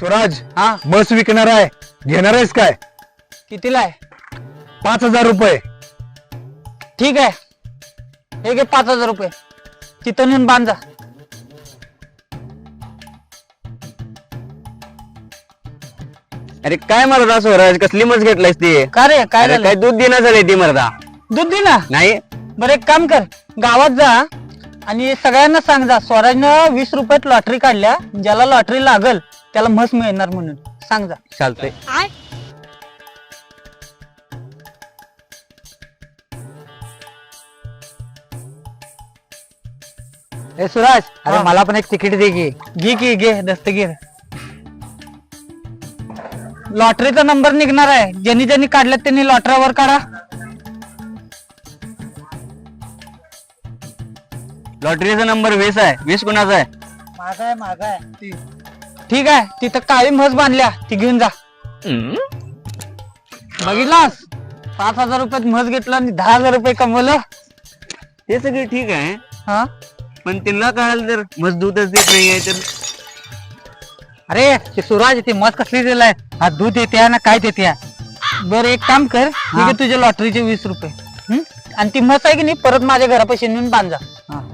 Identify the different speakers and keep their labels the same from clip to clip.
Speaker 1: स्वराज
Speaker 2: हा
Speaker 1: बस विकणार आहे, घेणार आहेस काय?
Speaker 2: कितीला आहे?
Speaker 1: 5,000 रुपये.
Speaker 2: ठीक आहे, हे घे 5,000 रुपये. तिथं नेऊन बांध जा.
Speaker 3: अरे काय मरदा स्वराज, कसली मस घेतलायस ती?
Speaker 2: का रे, काय
Speaker 3: अरे
Speaker 2: झालं?
Speaker 3: काय दूध देणार झाले ती मरदा?
Speaker 2: दूध दे ना.
Speaker 3: नाही
Speaker 2: बरं एक काम कर, गावात जा आणि सगळ्यांना सांग जा स्वराजनं 20 रुपयात लॉटरी काढल्या, ज्याला लॉटरी लागल त्याला म्हस मिळणार म्हणून सांग जा.
Speaker 3: चालतंय.
Speaker 2: ए सुराज,
Speaker 1: अरे
Speaker 2: हा.
Speaker 1: मला पण एक तिकीट दे की.
Speaker 2: घे की घे दस्तगीर. लॉटरीचा नंबर निघणार आहे, ज्यांनी ज्यांनी काढल्यात त्यांनी लॉटरीवर काढा.
Speaker 3: लॉटरीचा नंबर 20 आहे. 20 कुणाचा आहे?
Speaker 2: मागाय ठीक आहे, तिथं काळी म्हस बांधल्या, ती घेऊन जा. बघितलास, 5,000 रुपयात म्हस घेतला आणि 10,000 रुपये कमवलं.
Speaker 3: ते सगळं ठीक आहे,
Speaker 2: हा
Speaker 3: पण त्यांना कळालं तर मस दूधच देत नाहीये तर
Speaker 2: अरे ते सुराज, ती म्हस कसली दिलाय, हा दूध देते ना काय देते. बरं एक काम कर, ठीक आहे, तुझ्या लॉटरीचे 20 रुपये. आणि ती म्हस आहे की नाही, परत माझ्या घरापाशी नेऊन बांध जा.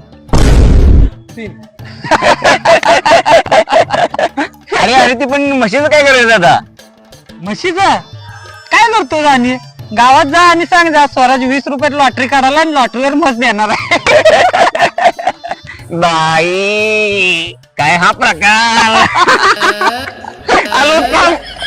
Speaker 3: अरे अरे ती पण म्हशीचं काय करायचं आता?
Speaker 2: म्हशीचा काय करतो आणि गावात जा आणि सांग जा स्वराज 20 रुपयात लॉटरी काढायला आणि लॉटरीवर म्हस देणार आहे.
Speaker 3: बाई काय हा प्रकार? आलो थांब.